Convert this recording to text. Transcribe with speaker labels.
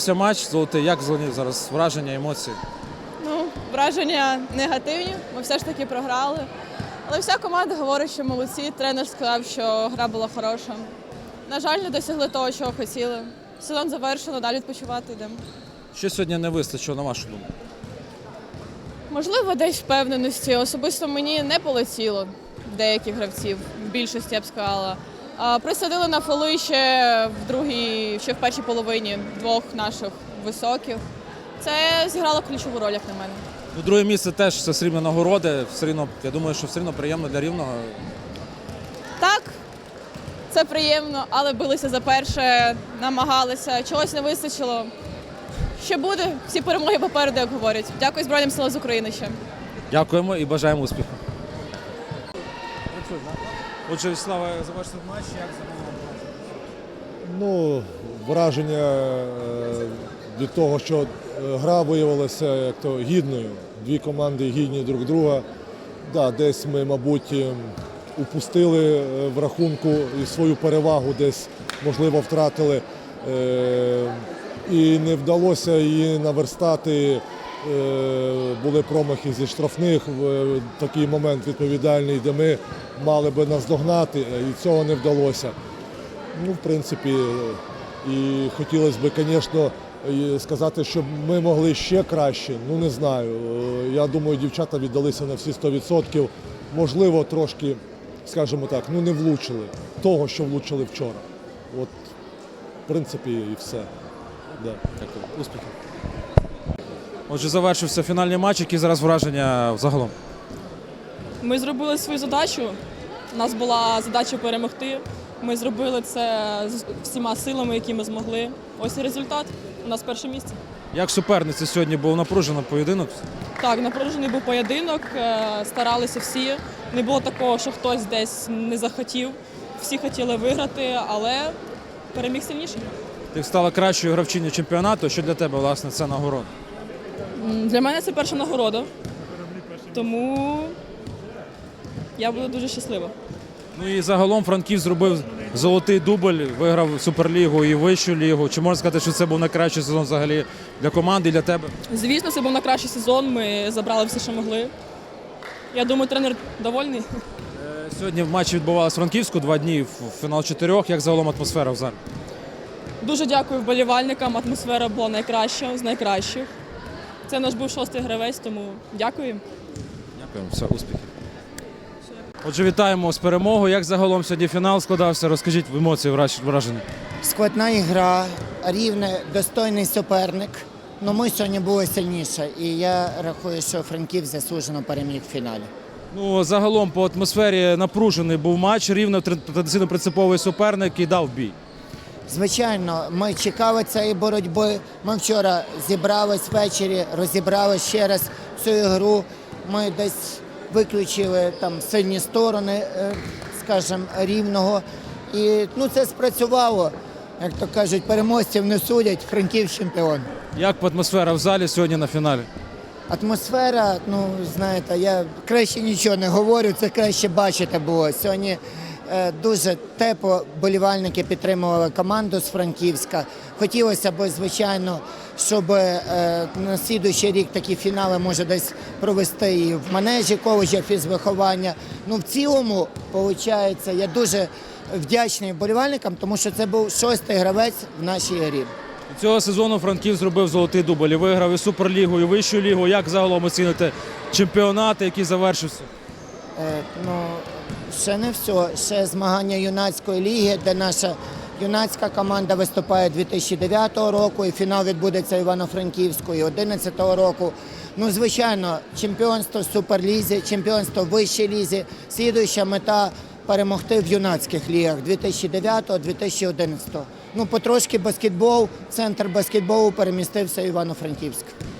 Speaker 1: Матч золотий. Як зараз враження, емоції?
Speaker 2: Враження негативні. Ми все ж таки програли. Але вся команда говорить, що молодці. Тренер сказав, що гра була хороша. На жаль, не досягли того, чого хотіли. Сезон завершено, далі відпочивати йдемо.
Speaker 1: Що сьогодні не вистачило, на вашу думку?
Speaker 2: Можливо, десь впевненості. Особисто мені не полетіло деяких гравців, в більшості я б сказала. Присадили на фоли ще в першій половині двох наших високих. Це зіграло ключову роль, як на мене.
Speaker 1: Друге місце теж це срібна нагорода. Я думаю, що все одно приємно для Рівного.
Speaker 2: Так, це приємно, але билися за перше, намагалися, чогось не вистачило. Ще буде, всі перемоги попереду, як говорять. Дякую Збройним силам з України ще.
Speaker 1: Дякуємо і бажаємо успіху. Отже, Вячеслава, завершив матч, як загалом?
Speaker 3: Враження від того, що гра виявилася гідною. Дві команди гідні друг друга. Десь ми, мабуть, упустили в рахунку і свою перевагу, десь, можливо, втратили. І не вдалося її наверстати. Були промахи зі штрафних в такий момент відповідальний, де ми мали би наздогнати, і цього не вдалося. В принципі, і хотілося б, звісно, сказати, що ми могли ще краще, не знаю. Я думаю, дівчата віддалися на всі 100%. Можливо, трошки, скажімо так, не влучили того, що влучили вчора. От, в принципі, і все.
Speaker 1: Дякую. Успіхів. Отже, завершився фінальний матч. Які зараз враження загалом?
Speaker 4: Ми зробили свою задачу. У нас була задача перемогти. Ми зробили це з всіма силами, які ми змогли. Ось і результат. У нас перше місце.
Speaker 1: Як суперниця сьогодні був напружений поєдинок?
Speaker 4: Так, напружений був поєдинок, старалися всі. Не було такого, що хтось десь не захотів. Всі хотіли виграти, але переміг сильніший.
Speaker 1: Ти стала кращою гравчиною чемпіонату. Що для тебе, власне, це нагорода?
Speaker 4: Для мене це перша нагорода, тому я буду дуже щаслива.
Speaker 1: І загалом Франківськ зробив золотий дубль, виграв Суперлігу і Вищу лігу. Чи можна сказати, що це був найкращий сезон взагалі для команди і для тебе?
Speaker 4: Звісно, це був найкращий сезон, ми забрали все, що могли. Я думаю, тренер довольний.
Speaker 1: Сьогодні в матчі відбувалося Франківську 2 дні, фінал 4. Як загалом атмосфера в залі?
Speaker 4: Дуже дякую вболівальникам, атмосфера була найкраща, з найкращих. Це наш був 6-й гравець, тому дякую.
Speaker 1: Дякуємо, все, успіхів. Отже, вітаємо з перемогою. Як загалом сьогодні фінал складався? Розкажіть емоції, враження.
Speaker 5: Складна ігра, Рівне, достойний суперник. Но ми сьогодні були сильніше. І я рахую, що Франківськ заслужено переміг в фіналі.
Speaker 1: Загалом по атмосфері напружений був матч. Рівне традиційно принциповий суперник і дав бій.
Speaker 5: Звичайно, ми чекали цієї боротьби. Ми вчора зібрались ввечері, розібрали ще раз цю ігру. Ми десь виключили сильні сторони, скажімо, Рівного. І це спрацювало. Як то кажуть, переможців не судять, Франківськ чемпіон.
Speaker 1: Як атмосфера в залі сьогодні на фіналі?
Speaker 5: Атмосфера, знаєте, я краще нічого не говорю, це краще бачити було. Сьогодні дуже тепло вболівальники підтримували команду з Франківська. Хотілося б, звичайно, щоб на наступний рік такі фінали може десь провести і в манежі коледжа фізвиховання. В цілому, виходить, я дуже вдячний вболівальникам, тому що це був 6-й гравець в нашій грі.
Speaker 1: Цього сезону Франківськ зробив золотий дубль, виграв і Суперлігу, і Вищу лігу. Як загалом оціните чемпіонат, який завершився?
Speaker 5: Ще не все. Ще змагання юнацької ліги, де наша юнацька команда виступає 2009 року, і фінал відбудеться Івано-Франківської 2011 року. Звичайно, чемпіонство в Суперлізі, чемпіонство в Вищій лізі. Слідуюча мета – перемогти в юнацьких лігах 2009-2011. Потрошки баскетбол, центр баскетболу перемістився в Івано-Франківськ.